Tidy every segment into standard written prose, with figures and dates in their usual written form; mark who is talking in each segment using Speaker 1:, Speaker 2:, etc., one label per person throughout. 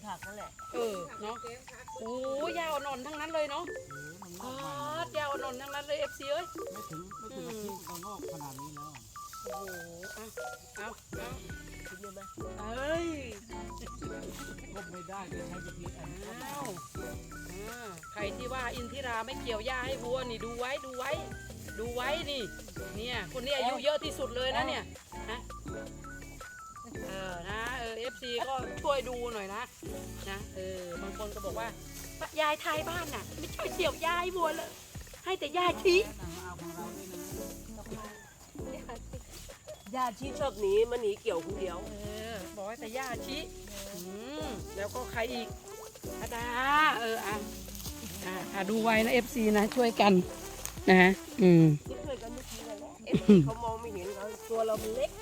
Speaker 1: ผักนั่นแหละ
Speaker 2: เนาะโอ้ยาวอ่อนทั้งนั้นเลยเนาะยาวอ่อนทั้งนั้นเลยFCเอ้ย
Speaker 3: ไม่ถึงอาทิตย์ก็งอกขนาดนี้แล้ว
Speaker 2: โอ้โหเอา
Speaker 1: กินเลยไหม
Speaker 2: เอ้ย
Speaker 3: ก็ไม่ได้ก็ใช้วิธีอันนี้
Speaker 2: ใครที่ว่าอินทิราไม่เกี่ยวหญ้าให้วัวนี่ดูไว้นี่เนี่ยคนนี้อายุเยอะที่สุดเลยนะเนี่ยนะFC ก็ช่วยดูหน่อยนะบางคนก็บอกว่ายายไทยบ้านน่ะไม่ช่วยเกี่ยวหญ้าให้วัวเลยให้แต่หญ้าชี้
Speaker 1: ญาติที่ชอบหนีมันหนีเกี่ยวคนเดียว
Speaker 2: บอกให้แต่ย่าชิแล้วก็ใครอีกอาดาดูไว้นะ FC นะช่วยกันนะฮะ
Speaker 1: ช่วยกันเมื่อกี้เลยเขามองไม่เห็นเราตัวเรามันเล็ก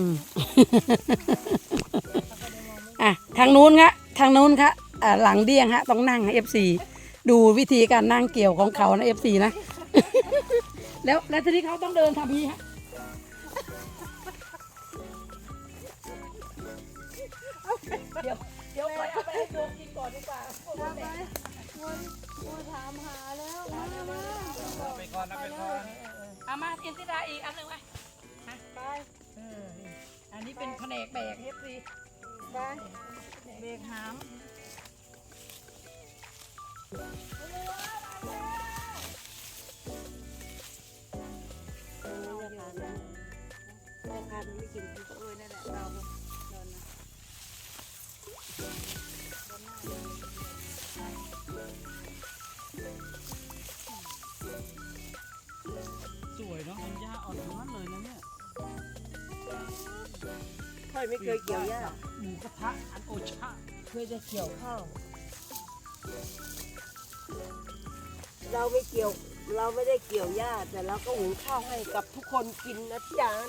Speaker 2: ทางนู้นค่ะหลังเดี้ยงฮะต้องนั่ง FC ดูวิธีการนั่งเกี่ยวของเขานะ FC นะแล้วทีนี้เขาต้องเดินทำนี้ฮะเดี๋ยวไปเอาไปให้โยมกินก่อนดีกว่า
Speaker 1: วัวถามหาแล้ว
Speaker 3: ไปก่อน
Speaker 2: เอามาอินทิราอีกอันหนึ่งไปอันนี้เป็นแผนกแบกเอฟซี
Speaker 1: ไปเบรกหามราคาไม่กินนั่นแหละเรา
Speaker 3: สวยเนาะมันหญ้าอ่อนทั้งนั้นเลยนะเนี่ย
Speaker 1: ค่อยไม่เคยเกี่ยวหญ้า
Speaker 3: หมูกระทะอันโอชะ
Speaker 1: เคยจะเกี่ยวข้าวเราไม่ได้เกี่ยวหญ้าแต่เราก็หุงข้าวให้กับทุกคนกินนะจ๊ะ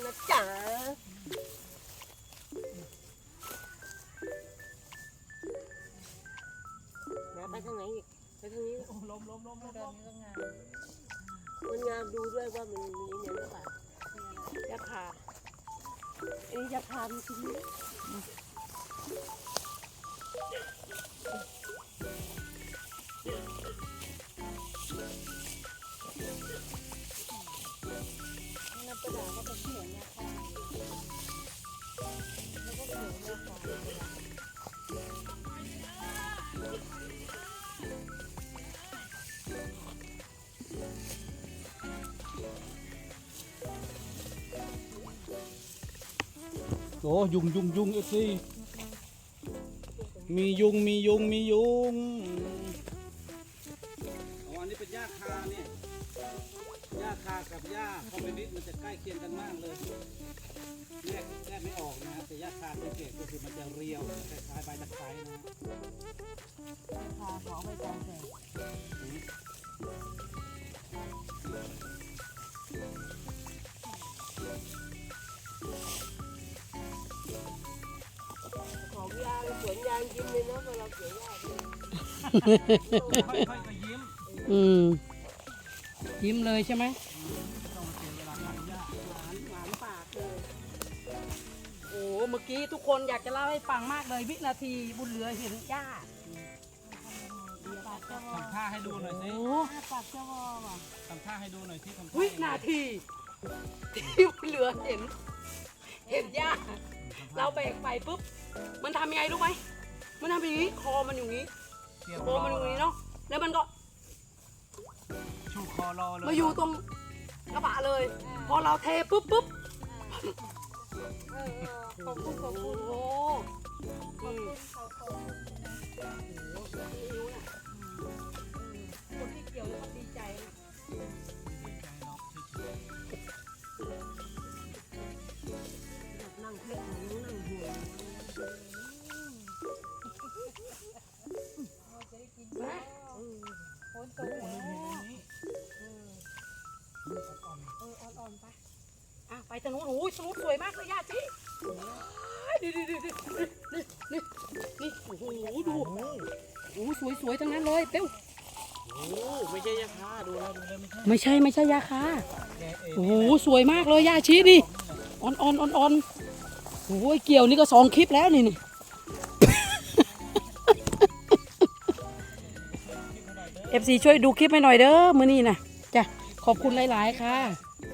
Speaker 1: ไปทางไหนอีกไปทางนี้
Speaker 3: ล้ม
Speaker 1: ไม่เดินนี้ก็งามดูด้วยว่ามันมีเนี่ยหรือเปล่ายาคาอันนี้ยาคามีชิ้นนี้น้ำปลาก็เป็นเขียวยาคาแล้วก็เขียวยาคา
Speaker 3: โอ้ยุงเอฟซีมียุงอันนี้เป็นหญ้าคาเนี่ยหญ้าคากับหญ้าคอมมิวนิสต์มันจะใกล้เคียงกันมากเลยแยกไม่ออกนะแต่หญ้าคาสังเกตก็คือมันจะเรียวคล้ายๆใบตะไคร้นะ
Speaker 1: คาเขาไปจำแจกของยางสวนยางยิ้มเลยเนาะเวลาเกี่ยวหญ้า
Speaker 3: ค่อยๆยิ้ม
Speaker 2: ยิ้มเลยใช่ไหม
Speaker 1: หวานปากเลย
Speaker 2: โอ้เมื่อกี้ทุกคนอยากจะเล่าให้ฟังมากเลยวินาทีบุญเหลือเห็นหญ้า
Speaker 3: ทำท่าให้ดูหน่อยสิ
Speaker 1: ปากเจ้าวอว่ะ
Speaker 3: ทำท่าให้ดูหน่อยสิ
Speaker 2: วินาทีที่บุญเหลือเห็นหญ้าเราแบกไปปุ๊บมันทำยังไงรู้ไหมมันทำอย่างนี้คอมันอยู่นี้เนาะแล้วมันก็
Speaker 3: ชูคอรอเลย
Speaker 2: มาอยู่ตรงกระบะเลยพอเราเทปุ๊บ
Speaker 1: ขอบคุณ
Speaker 2: โอ้คนที่เกี่ยวก็ดีใจ
Speaker 1: นั่งเพื่อนนั่งหัวคนโตอ่อน
Speaker 2: ไปทางนู้นทางนู้นสวยมากเลยย่าจีนี่โอ้โหดูโอ้สวยทั้งนั้นเลยเป้ว
Speaker 3: ไม่ใช่ยาคาดูนะ
Speaker 2: ไม่ใช่ยาคาโอ้โหสวยมากเลยย่าชี้นี่อ่อนโอ้ยเกี่ยวนี่ก็2 คลิปแล้วนี่ FC ช่วยดูคลิปให้หน่อยเด้อมื้อนี้นะจ้ะขอบคุณหลายๆค่ะ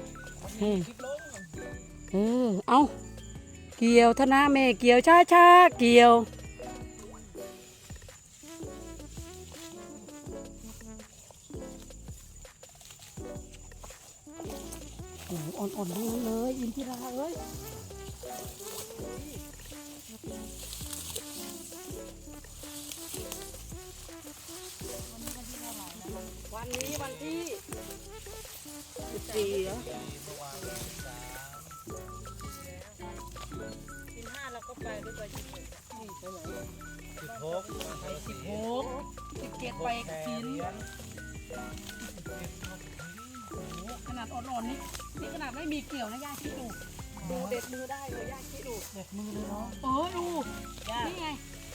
Speaker 2: เอาเกี่ยวธนาแม่เกี่ยวช้าๆเกี่ยวโอ้โหอ่อนๆทั้งนั้นเลยอินทิราเอ้ยวันนี้วันที่14เหรอ
Speaker 1: 15เราก็ไปด้วยกัน16นี่ไปไหน
Speaker 2: 17ไปกินขนาดอ่อนๆนี่ขนาดไม่มีเกี่ยวนะย่าคิดดูเด็ดมือได้เลยย่าคิดดูเด็ดมือเลยเนาะดูนี่ไง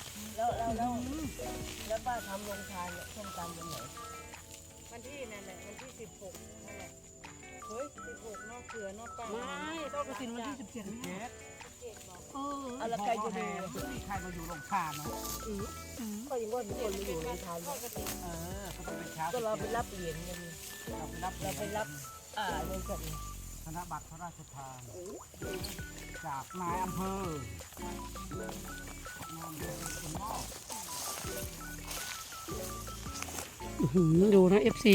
Speaker 1: แล้วป้าทำโรงทานเนี่ยส้มตำวันไหน
Speaker 4: วันที่นั่นแหละวันที่16นั่นแหละเฮ้ย16เนอกเสือเนอกป้า
Speaker 2: ไม่ต้องกระสินวันที่17นี่
Speaker 1: เอาละใครจะดู
Speaker 3: มีใครมาอยู่โรงทานเนาะ
Speaker 1: ก็ยังว่ามีคนมาอยู่โรงทาน
Speaker 4: ทอดกระถิ่น
Speaker 3: ก็ต้องเป็นเช้า
Speaker 1: ก็เราไปรับเหรียญกัน
Speaker 3: เราไปรับ
Speaker 1: ในสัตว์
Speaker 3: ธนบัตรพระราชทานจากนายอำเภอคนนอก
Speaker 2: ดูนะ FC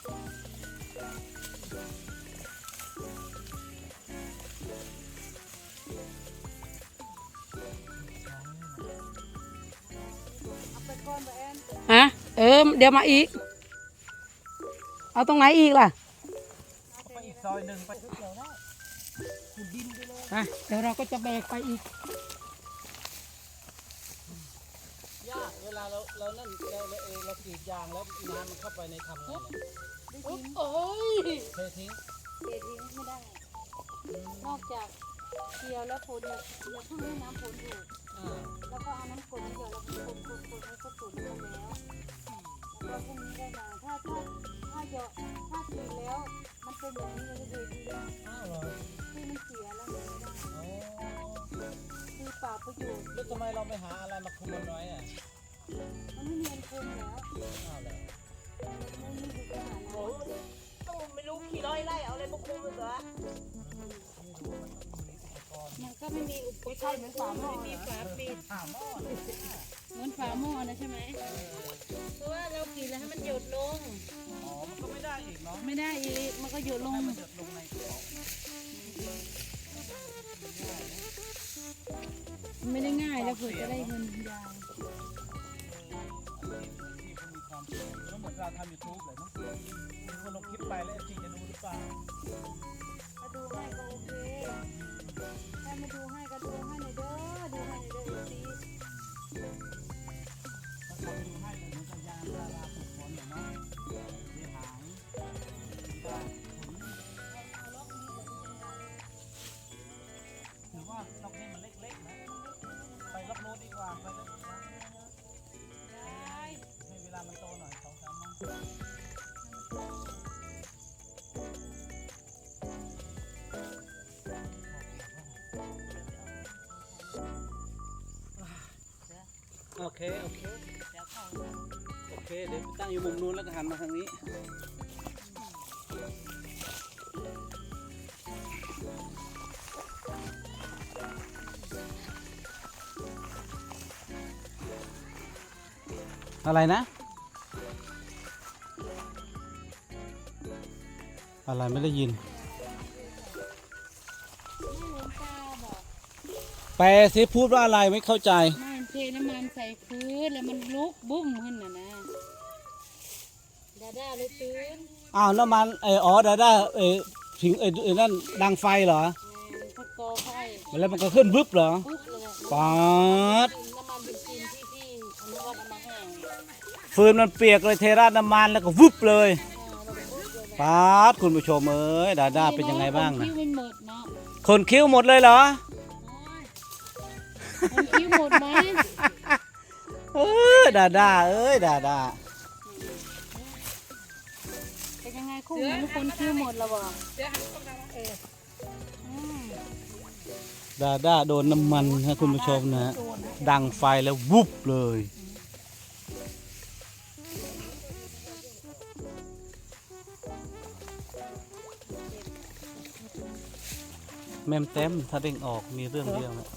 Speaker 2: ฮะเดี๋ยวมาอีกเอาตรงไหนอีกล่ะ
Speaker 3: ไปอีกซอยหนึ่งไปเกี่ยวได้
Speaker 2: เดี๋ยวเราก็จะแบกไปอีก
Speaker 3: ยากเวลาเรานั่นเรากรีดยางแล้วน้ำมันเข้าไปในทำไงเนี่ย
Speaker 2: โอ้ย
Speaker 3: เททิ้ง
Speaker 4: เททิ้งไม่ได้ นอกจากเกี่ยวแล้วฝนเนี่ยเพิ่งให้น้ำฝนอยู่แล้วก็เอาน้ำฝนเดี๋ยวเราคนให้ก็ตุ๋นกันแล้วแล้วก็พรุ่งนี้ได้มาถ้าเยอะถ้าตีแล้วมันเป็นแบบนี้เลยดีนะ
Speaker 3: อ้าวเหรอ
Speaker 4: ที่มันเสียแล้วมันไม่ได้คือเปล่าประโยชน์
Speaker 3: แล้วทำไมเราไม่หาอะไรมาคุมมันไว้อ่ะ
Speaker 4: มันไม่มีอันคุมแล้ว
Speaker 3: อ้าวเหรอ
Speaker 4: มันมีอยู่ขนาดนั้น
Speaker 1: โอ้ต้องไม่รู้ขี่ร้อยไล่เอาอะไรมาคุมมันเหรอ
Speaker 4: มันก็ไม่มีอุปกรณ์เหมือนฝาหม้อไม่มีฝาปิด
Speaker 3: หาหม้อ
Speaker 4: เหมือนฝาหม้อนะใช่ไหมเพราะว่าเรากินแล้วให้มันหยดลง
Speaker 3: อ๋อมันก็ไม่ได้อีกเนาะ
Speaker 4: ไม่ได้อีกมันก็หยดลง
Speaker 3: ให้มันหยดลงในกระเป๋า
Speaker 4: ไม่ได้ง่ายแล้วเผื่อจะได้เงินยาว
Speaker 3: ที่เขามีความสุขแล้วเหมือนเราทำยูทูบเลยเนาะมีคนลงคลิปไปแล้วจริงจะดูหรือเปล่า
Speaker 4: ถ้าดูให้ก็โอเคถ้าไม่ดูให้ก็ดูให้หน่อยเด้อดูให้หน่อยเด้อซี
Speaker 3: ถ้าเขาดูให้เหมือนกับยางพาราปลูกฝนเนาะเสียหายได้ผลถือว่าล็อกนี้มันเล็กๆนะไปล็อกโน้ตดีกว่าไปล็อกนะให้เวลามันโตหน่อย2-3 วันโอเคโอเคเดี๋ยวไปตั้งอยู่มุมนู้นแล้วก็หันมาทางนี้อะไรนะอะไรไม่ได้ยิน แปลสิพูดว่าอะไรไม่เข้าใจ
Speaker 4: มันเทน้ำมันใส่พื้นแล้วมันลุกบุ้มขึ้นน่ะนะดาด้าเลยตื่น
Speaker 3: อ้าวน้ำมันอ๋อดาด้าถึงนั่นดังไฟเหรอ
Speaker 4: พักกอไฟ
Speaker 3: แล้วมันก็ขึ้นบึ๊บเหรอ
Speaker 4: ปุ๊บเลย
Speaker 3: ป๊าด
Speaker 4: น้ำมันเบนซินที่พี่อนุวัฒน์เอามาให้
Speaker 3: ฟืนมันเปียกเลยเทราดน้ำมันแล้วก็วึบเลยป๊าดคุณผู้ชมเอ้ยดาด้าเป็นยังไงบ้างนะ
Speaker 4: คิ้วมันหมดเนาะ
Speaker 3: คนคิ้วหมดเลยเหรอ
Speaker 4: คนคิ้วหมดไหม
Speaker 3: ดาด้าเอ้ยดาด้า
Speaker 4: เป็นยังไงคู่หูคนคิ้วหมดแล้วบ่
Speaker 3: ดาด้าโดนน้ำมันนะคุณผู้ชมนะดังไฟแล้ววุบเลยแม่มเต็มถ้าเด้งออกมีเรื่องเดียวนะ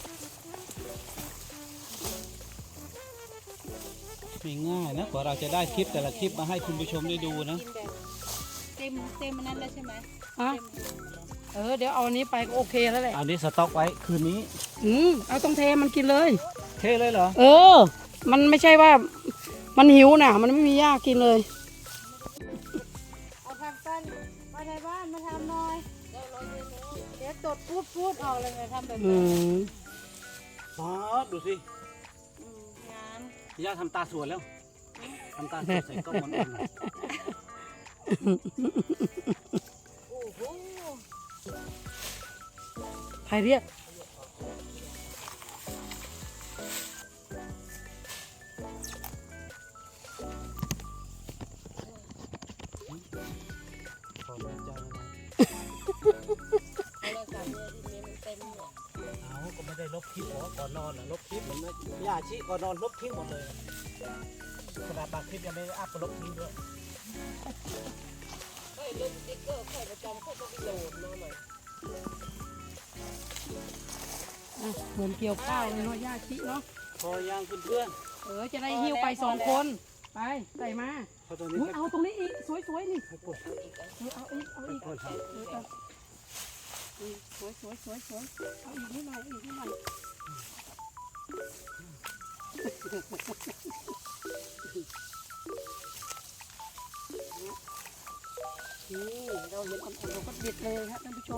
Speaker 3: ไม่ง่ายนะกว่าเราจะได้คลิปแต่ละคลิปมาให้คุณผู้ชมได้ดูนะ
Speaker 4: กินแบบเต็มอันนั้นแล้วใช่ไหม
Speaker 2: อ่ะเดี๋ยวเอาอันนี้ไปก็โอเคแล้วแหละ
Speaker 3: เอานี้สต็อกไว้คืนนี้
Speaker 2: เอาต้องเทมันกินเลย
Speaker 3: เทเลยเหรอ
Speaker 2: มันไม่ใช่ว่ามันหิวนะมันไม่มีหญ้ากินเลย
Speaker 4: เอาผักกันมาในบ้านมาทำหน่อยเดี๋ยวตดพูดออกเลยไงทำแบบ
Speaker 2: อื
Speaker 4: นี้
Speaker 2: ม
Speaker 3: ป๊าดดูสิ
Speaker 4: งาม
Speaker 3: ย่าทำตาสวยแล้วทำตาสวยใส่กล้องมันเองหน่อย
Speaker 4: โอ้โห
Speaker 2: ใครเรียก
Speaker 3: ขอแม่เจ้านะเอาก็ไม่ได้ลบคลิปหรอก่อนนอนลบคลิปเหมือนย่าชี้ก่อนนอนลบทิ้งหมดเลยขนาดบางคลิปยังไม่ได้อัพก็ลบทิ้งด้วย
Speaker 2: เหมือนเกี่ยวข้าวเลยเนาะหญ้าชิเนาะ
Speaker 3: พอยังเพื่อน
Speaker 2: จะได้หิ้วไป2 คน ไปใส่มา
Speaker 3: ๆพอตอนนี้
Speaker 2: อุ๊ยเอาตรงนี้อีก สวยๆนี่
Speaker 3: ให้กด
Speaker 2: เอาอีก
Speaker 3: กดครับ
Speaker 2: สวยเอาอีกนิดหน่อยนี่เราเห็นอ่อนๆเราก็เด็ดเลยครับท่านผู้ชม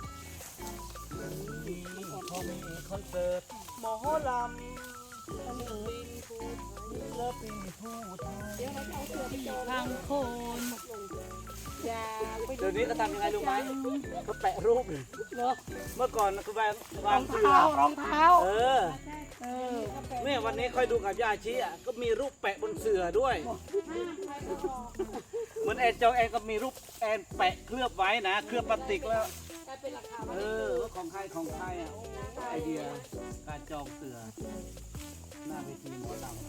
Speaker 3: พอมีคอนเสิร์ตหมอลำศิลปินผู้ไทย
Speaker 2: เดี๋ยวเราจะเอาเสือไปจอง
Speaker 4: ทางโคน
Speaker 2: อย่าไป
Speaker 3: เดี๋ยวนี้ก็ทำยังไงรู้ไหมก็แปะรูปเลย
Speaker 2: เนาะ
Speaker 3: เมื่อก่อนคือวาง
Speaker 2: ร
Speaker 3: วา
Speaker 2: อง ง
Speaker 3: เสือ
Speaker 2: เท้ารองเท้า
Speaker 3: เออ
Speaker 2: เออ
Speaker 3: เนี่ยวันนี้ค่อยดูกับย่าชี้อ่ะก็มีรูปแปะบนเสือด้วยเหมือนแอนจองแอนก็มีรูปแอนแปะเคลือบไว้นะเคลือบพลาสติกแล้ว
Speaker 2: ได้เป็นราคา
Speaker 3: ว่าของใครอ่ะไอเดียการจองเสือหน้าเวทีหมอลำ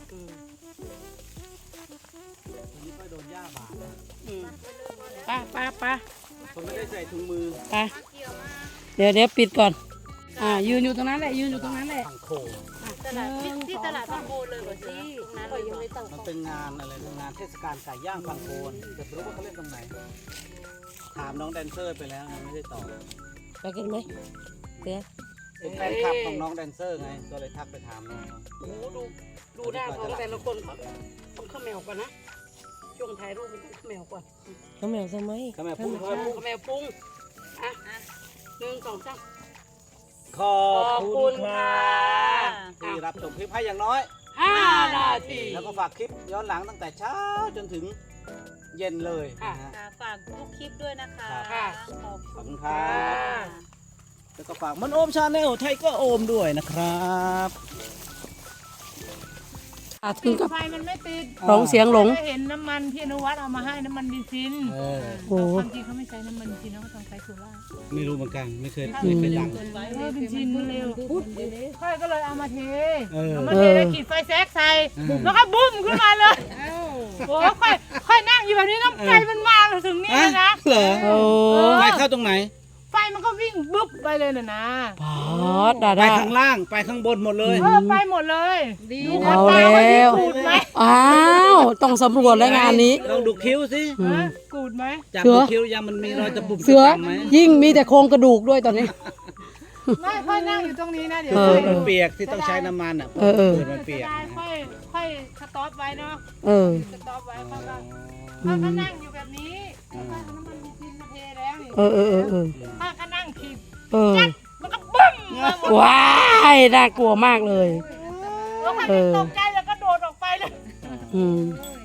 Speaker 3: วันนี้ก็โดนย่าบาดนะ
Speaker 2: ป้า
Speaker 3: ผมไม่ได้ใส่ถุงมือ
Speaker 2: ไปเดี๋ยวปิดก่อน ยืนอยู่ตรงนั้นแหละ ยืนอยู่ตรงนั้นแหละ
Speaker 3: ทางโค
Speaker 4: ตลาดที่ตลาดบางโพเลยเหรอสิตรงนั้นเลยเหรอ
Speaker 3: มันเป็นงานอะไรนะงานเทศกาลไก่ย่างบางโคนแต่ไม่รู้ว่าเขาเล่นตรงไหน ถามน้องแดนเซอร์ไปแล้วไงไม่ได้ตอบ
Speaker 1: ไปกันไหมเดี๋ยว
Speaker 3: เป็นแฟนคลับของน้องแดนเซอร์ไงก็เลยทักไปถามน้องเขา
Speaker 2: โอ้ดูหน้าของแต่ละคนต้องข้าวแมวก่อนนะ ช่วงถ่ายรูปมันต้องข้าวแมวก่อน
Speaker 1: เขาแมวทำไม
Speaker 3: ก็แม่พูดเขาพูด
Speaker 2: ข้าวแมวปรุง1 2 3
Speaker 3: ขอบคุณค่ะ
Speaker 2: ค่ะ
Speaker 3: ที่รับชมคลิปให้อย่างน้อย
Speaker 2: 5 นาที
Speaker 3: แล้วก็ฝากคลิปย้อนหลังตั้งแต่เช้าจนถึงเย็นเลยนะฮะ
Speaker 4: ค่ะฝากทุกคลิปด้วยนะคะ
Speaker 2: ค่ะ
Speaker 4: ขอบ
Speaker 3: ขอบ
Speaker 4: คุ
Speaker 3: คุณ ณค
Speaker 2: ค่ะ
Speaker 3: รับ แล้วก็ฝากมันโอมชาแนลไทเกอร์โอมด้วยนะครับ
Speaker 2: ถึงกับ
Speaker 5: ไฟมันไม่ติด
Speaker 2: ร้องเสียงหลง
Speaker 5: ก็เห็นน้ำมันที่อนุวัฒน์เอามาให้น้ำมันดีซิน
Speaker 3: เออ
Speaker 2: โอ้
Speaker 5: ความจริงเขาไม่ใช้น้ำมันดีซินเขาต้องใช้โซล่า
Speaker 3: ไม่รู้เหมือนกันไม่เคยดัง
Speaker 5: ดีซินมันเร็วค่อยก็เลยเอามาเท
Speaker 3: เออ
Speaker 5: เอามาเทแล้วขีดไฟแซกใส่แล้วก็บุ้มขึ้นมาเลยโอ้ค่อยนั่งอยู่แบบนี้น้ำใจมันมาถึงนี่เลยนะ
Speaker 3: เหรอ
Speaker 2: โอ้
Speaker 3: ไฟเข้าตรงไหน
Speaker 5: ไฟมันก็วิ่งบึ๊บไปเลยน่ะนะ
Speaker 2: พอดดา
Speaker 3: ไป
Speaker 2: ดา
Speaker 3: ข้างล่างไปข้างบนหมดเลย
Speaker 5: ไปหมดเลยดูคน
Speaker 2: เอา
Speaker 5: ตา
Speaker 2: แล้
Speaker 5: ว่าที่
Speaker 2: ว
Speaker 5: กูดไหม
Speaker 2: อ้าว ต้องสำรวจแล้วงานนี้
Speaker 3: ลองดูคิ้วสิ
Speaker 2: อืม
Speaker 5: กูดไหม
Speaker 3: จับ
Speaker 2: เสื
Speaker 3: ดู
Speaker 2: อ
Speaker 3: คิ้วยังมันมีรอยตะปุ่ม
Speaker 2: เสือ
Speaker 3: ตะปำไหม
Speaker 2: ยิ่งมีแต่โครงกระดูกด้วยตอนนี้
Speaker 5: ไม่ค่อยนั่งอยู่ตรงนี้นะเดี๋ยว
Speaker 2: เอ
Speaker 3: เปิ
Speaker 2: อ
Speaker 3: ดมันเปียกที่ต้องใช้น้ำมันอ่ะ
Speaker 2: เออ
Speaker 3: เปิดมันเปียก
Speaker 5: ได้
Speaker 3: นะ
Speaker 5: ค่อยสต็อปไว้เนาะ
Speaker 2: เออ
Speaker 5: สต็อปไว้เขาก็เขาก็นั่งอยู่แบบนี้แล้วก็เอาน้ำมันดีซินมาเทแล้วนี่
Speaker 2: เออ
Speaker 5: ถ้าก็นั่งขีด
Speaker 2: เออ
Speaker 5: มันก็บึ้มมาหมด
Speaker 2: ว้ายน่ากลัวมากเลย
Speaker 5: แล้วใคร
Speaker 2: เออ
Speaker 5: ตกใจแล้วก็โดดออกไปเลย
Speaker 2: อืม
Speaker 5: เ